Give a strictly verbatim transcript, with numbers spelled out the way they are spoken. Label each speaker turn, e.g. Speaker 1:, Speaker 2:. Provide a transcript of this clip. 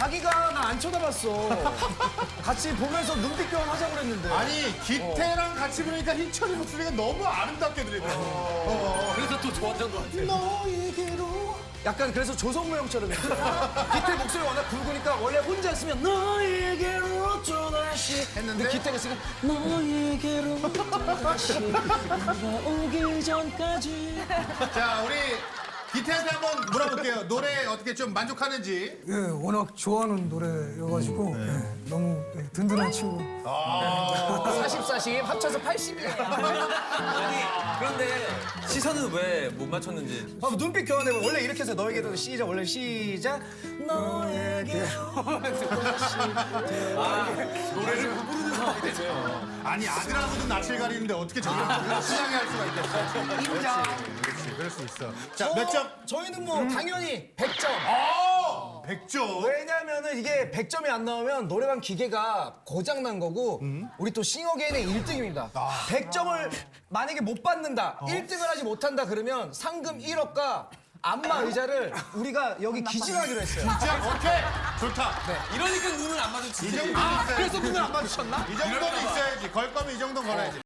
Speaker 1: 자기가 나 안 쳐다봤어. 같이 보면서 눈빛 교환하자고 그랬는데.
Speaker 2: 아니 기태랑 같이 부르니까 희철이 목소리가 너무 아름답게 들리더라고. 어.
Speaker 3: 그래서 또 좋았던 것 같아.
Speaker 1: 너에게로. 약간 그래서 조성모 형처럼 했어. 기태 목소리 워낙 굵으니까 원래 혼자 했으면 너에게로 또다시
Speaker 2: 했는데?
Speaker 1: 기태가 있으니까 너에게로 또다시 네가 오기 전까지.
Speaker 2: 자 우리 기태한테 한번 물어볼게요. 노래 어떻게 좀 만족하는지.
Speaker 4: 예, 워낙 좋아하는 노래여가지고 예, 너무 예, 든든한 친구.
Speaker 1: 사십, 사십 합쳐서 팔십이에요.
Speaker 3: 아니, 그런데 시선은 왜 못 맞췄는지.
Speaker 1: 아, 눈빛 교환해봐. 원래 이렇게 해서 너에게로 시작. 원래 시작. 너에게로 또다시.
Speaker 3: 노래를 못 부르는 상황이 됐어요.
Speaker 2: 아니 아들하고도 낯을 가리는데 어떻게 저렇게 시장에 할 수가 있겠어.
Speaker 1: 인정.
Speaker 2: 그렇지 그럴 수 있어. 자 몇 점?
Speaker 1: 저희는 뭐 당연히 백 점.
Speaker 2: 어! 백 점.
Speaker 1: 왜냐면은 이게 백 점이 안 나오면 노래방 기계가 고장난 거고 우리 또 싱어게인의 일 등입니다. 백 점을 만약에 못 받는다, 일 등을 하지 못한다 그러면 상금 일억과 안마 의자를 우리가 여기 기증하기로 했어요.
Speaker 2: 자 오케이 좋다.
Speaker 3: 이러니까 눈을 안 마주치지.
Speaker 2: 이 정도는
Speaker 1: 아,
Speaker 2: 있어야지.
Speaker 1: 그래서 눈을 안 마주쳤나?
Speaker 2: 이 정도는 있어야지. 걸 거면 이 정도는 걸어야지.